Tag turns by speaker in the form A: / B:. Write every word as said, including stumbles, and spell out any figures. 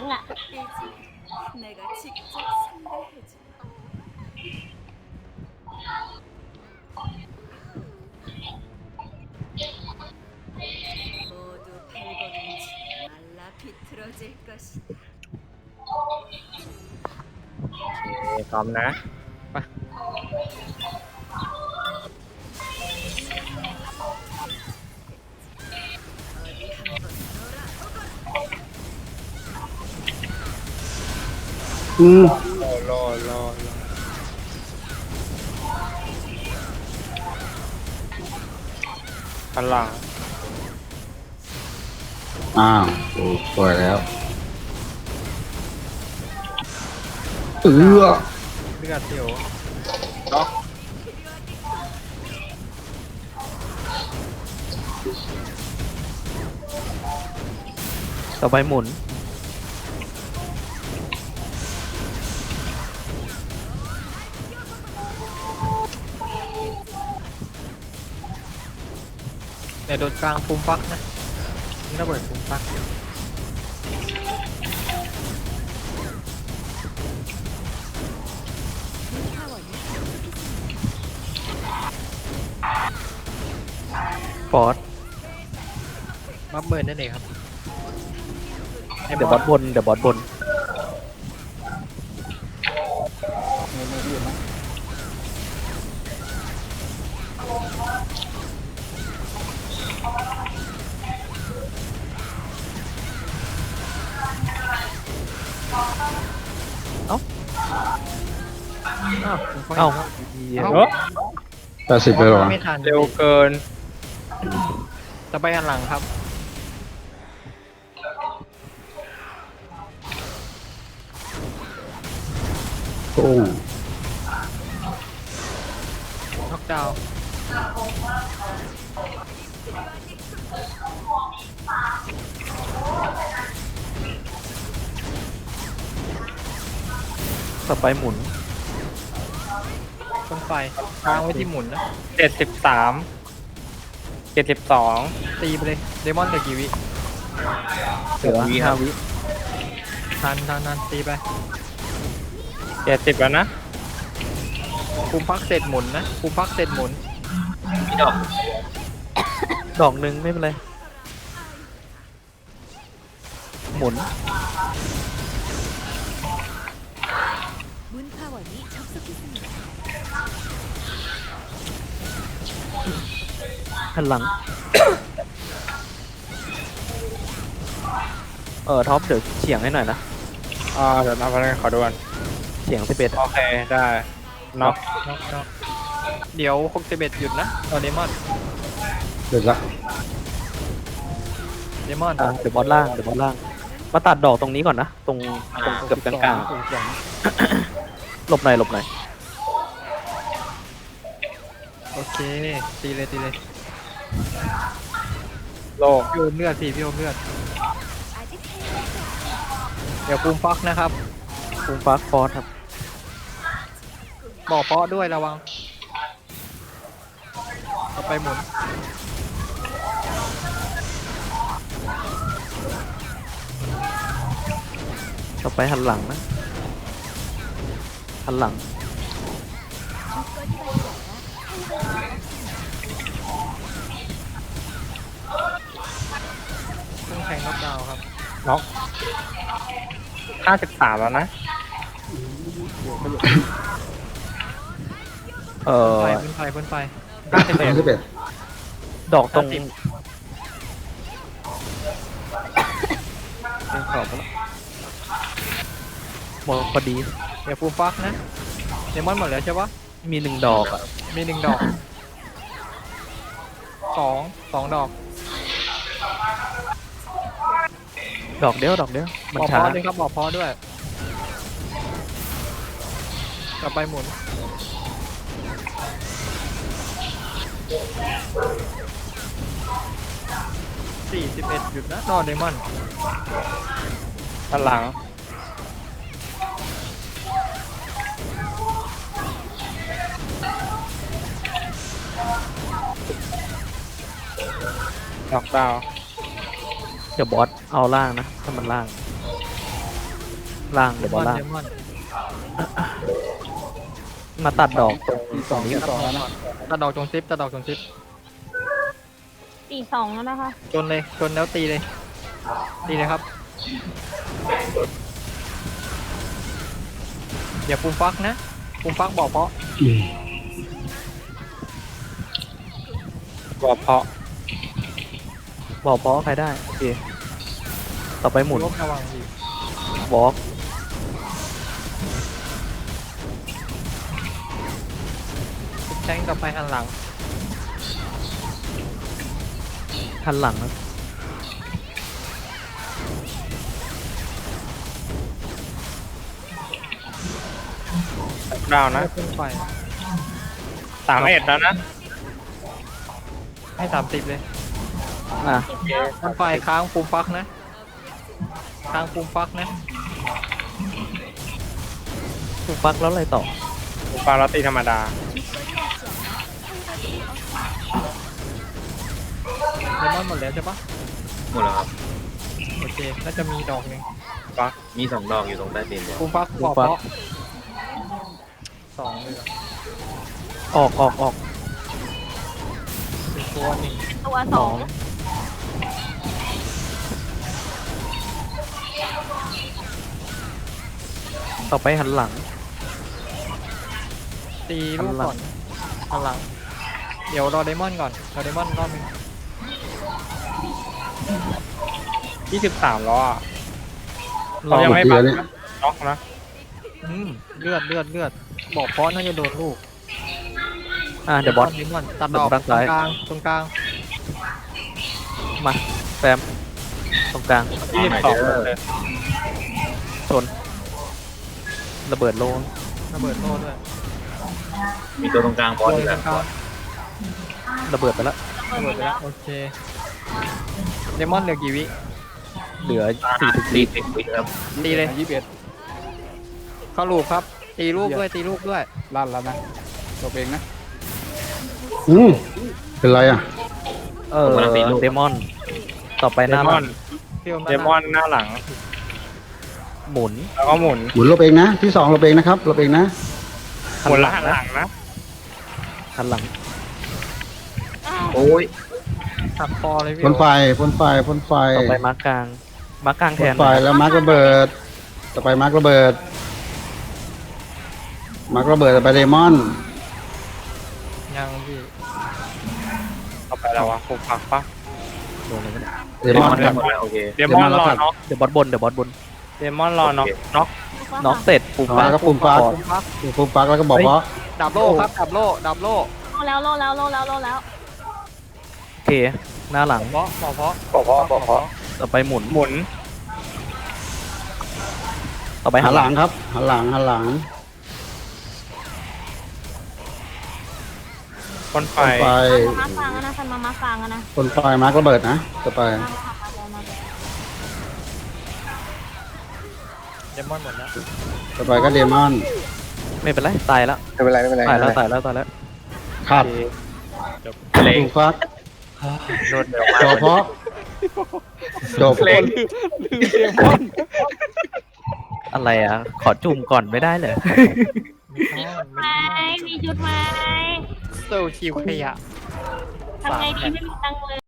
A: อ่ะ
B: 내가 직접 상대해줄. 모두 팔걸음질 말라 비틀어질 것이다.
C: โอเคพร้อมนะไป
B: 어디 한번 놀아 보거라.
D: อืม
C: รอรอรอรอพลัง
D: อ้าวโอ้สวยแล้วเออ
C: เลือดเดียวเนาะ
E: ต่อไปหมุนเนี่ยโดนกลางปุ่มฟักนะนี่ระเบิดปุ่มฟักฟอสบัฟเบิร์นนั่นเองครับเดี๋ยวบอสบนเดี๋ยวบอสบนเอ้าเอ้า
C: เออ
D: แปดสิบเลยเหรอ
E: ไม่ทัน
C: เร็วเกิน
E: ต่อไปอันหลังครับ
D: โอ้
E: น็อกดาวน์ต่อไปหมุนต้นไฟวางไว้ที่หมุนนะ
C: เจ็ดสิบสามเจ็ดสิบสอง
E: ตีไปเลยเดมอนเหลือกี่วิ
C: เหลือห้าวิ
E: ทันทันทันตีไป
C: เจ็ดสิบแล้วนะ
E: คุมพักเสร็จหมุนนะคุมพักเสร็จหมุนดอกดอกหนึ่งไม่เป็นไรหมุน
B: 문파원이 접속했습니다.
E: หันหลัง เออท็อปเดี๋ยวเฉียงให้หน่อยนะ
C: อ่าเดี๋ยวนับพลังขอดูก่อน
E: เฉียงสิบเอ็ด
C: โอเคได้น็อก
E: น็อกน็อกเดี๋ยวหกสิบเอ็ดหยุดนะเอาเดมอน
D: เดี๋ยวละ
E: เดมอนเดี๋ยวบอสล่างเดี๋ยวบอสล่าง มาตัดดอกตรงนี้ก่อนนะ ตรงตรงเกือบกลางๆหลบหน่อยหลบหน่อยโอเคตีเลยตีเลย
C: โล
E: พี่โอมเลือดสิพี่โอมเลือด
B: 아직
E: เดี๋ยวปูมฟักนะครับปูมฟักฟอสครับบอกฟอสด้วยระวังต่อไปหมุนต่อไปหันหลังนะหันหลัง ต้องแทงน็อกดาวน์ครับ
C: น็อกห้าสิบสามแล้วนะ
E: เออพ่นไฟพ่นไฟ
C: ห้าสิบ
D: สา
C: เอ็
D: ม
C: ด
D: สิบเอ็ด
E: ดอกตรงเป็นขอบแล้วหมดพอดีเดี๋ยวฟูฟักนะเดมอนหมดแล้วใช่ปะมีหนึ่งดอกอ่ะมีหนึ่งดอกสองสองดอก ดอกเดียวดอกเดียวมันช้าบอกพอด้วยครับบอกพอด้วยต่อไปหมุนสี่สิบเอ็ดหยุดนะนอนเดมอน
C: พลังน็อกดาวน์
E: เดี๋ยวบอสเอาล่างนะถ้ามันล่าง
C: ล่างเดี๋ยวบอลล่าง
E: เดมอน
C: มาตัดดอกตรงตรงนี้
E: ตัดดอกนะตัดดอกจงซิปตัดดอกจงซิป
A: สี่สองแล้วนะคะ
E: ชนเลยชนแล้วตีเลย ตีเลยครับอย่าปุ่มฟักนะปุ่มฟักบอกเพราะ
D: อืม
C: บอกเพาะบอกเพาะใครได้โอเคต่อไปหมุน
E: ลบระวังดี
C: บล็อก
E: แทงต่อไปหันหลัง
C: หันหลังนะดาวนะ
E: ขึ้นไป
C: สามเอ็ดแล้วนะ
E: ให้สามสิบเลย
C: อ่ะ
E: ขึ้นไปค้างปุ่มฟักนะค้างปุ่มฟักนะ
C: ถูกฟักแล้วอะไรต่อ
F: ปลาลอตตีธรรมดา
E: เดมอนหมดแล้วใช่ปะ
G: หมดแล้วครับ
E: โอเคน่าจะมีดอกหนึ่ง
G: มีสองดอกอยู่ตรงใต้ดินเนี่ย
E: ปุ่มฟักบอกเพราะสองเลยเหรอ
C: ออกออกออก
E: เป็นตัวหนึ่ง
A: เป็นตัวสอง
C: ต่อไปหันหลัง
E: ตีลูกก่อนหันหลังเดี๋ยวรอเดมอนก่อนรอเดมอนรอบหนึง
F: ยี่สิบสามล้ออะ
C: รอ
F: เรายังไม่
D: หม
F: บั
D: ด
F: ง
D: เดือนเนี่ย
F: น็อกนะ
E: อืมเลือดเลือดเลือดบอกเพราะน่าจะโดนลูก
C: อ่ะเดี๋ยวบอส
E: เดมอนตัดดอก
C: ด้าน
E: ตร
C: ซ้าย
E: งกลางตรงกลาง
C: มาแซมตรงกลาง
F: ยี่สิบสองเลย
C: ชนระเบิดโลน
E: ระเบิดโล่ด้วย
G: มีตัวตรงกลางบอส
E: ต
G: อีก
E: ร
G: แล้ว
E: งกลาง
C: ระเบิดไปแล้ว
E: ระเบิดไปแล้วโอเคเดมอนเหลือกี่วิ
C: เหลือสี่สิบ
G: ตี
C: สี่
G: สิบวิครับ
E: ตีเลยยี่สิบเอ็ดเข้าลูกครับตีลูกด้วยตีลูกด้วย
F: ลั่นแล้วนะตัวเองนะ
D: อืมเป็นไรอ่ะ
C: เออเดมอน ต่อไปห
F: เด
C: น้าม
F: อน
E: พี่อม
F: เดมอนหน้าหลัง
C: หมุน
F: แล้วก็หมุน
D: หมุนลบเองนะ ที่สองลบเองนะครับลบเองนะ
F: หมุนแล้วหันหลังนะ
C: หันหลัง
A: อ้าว
G: โอ้ย
E: หักคอเลยพี่
D: พ่นไฟพ่นไฟพ่นไฟ
C: ต่อไปมาร์กกลางมาร์กกลางแท
D: พ่น
C: น
D: ไฟแล้วมาร์กระเบิด ต่อไปมาร์กระเบิด มาร์กระเบิดต่อไปเดมอน
E: ยังพี่
F: ต่อไปแล้ววะผูกปักปะ
C: โดนเลยไม่ได้
D: เดมอนครับ
G: หมดแล้วโอเค
F: เดมอนรอน็อก
C: เดี๋ยวบอสบนเดี๋ยวบอสบน
F: เดมอนรอน็อกน็อก
C: น็อกเสร็จปุ่ม
D: แล้วก็ปุ่มฟัก
E: ปุ่มฟัก
D: ปุ่มฟักแล้วก็บอกว่า
E: ดับโล่ครับดับโล่ดับโล่
A: โลแล้วโลแล้วโลแล้วโลแล้ว
C: โอเค หน้าหลัง
E: เพราะบอกเพราะ
F: บอกเพราะบอกเพราะ
C: ต่อไปหมุน
F: หมุน
C: ต่อไป
D: หั
C: หั
D: น
C: น
D: ห
C: ห
D: ลั
C: ลั
D: ง
C: ง
D: ครับหันหลังหันหลัง
F: พ่นไฟ
D: พ่นไฟ
A: มามาฟางอะนะคันมามาฟางอะนะ
D: พ่นไฟมาร์กระเบิดนะต่อไป
A: มามามามา
E: เดมอนหมดแล้ว
D: ต่อไปก็เดมอน
C: ไม่เป็นไรตายแล้ว
D: ไม่เป็นไรไม่เป็นไร
C: ตายแล้วตายแล้วตายแล้ว
D: ขาด
F: เล็ง
D: ปุ่มฟัก
F: รวดเร็วมาก
D: จบเพราะจบ
F: เล็ง
C: อะไรอ่ะ ขอจุ่มก่อนไม่ได้เลย
E: ไม่ต้องไม่
A: ไม้
E: ต้อง
A: มีชุดไหม
E: โซคิวขยะ
A: ทำไงดีไม่มีตังค์เลย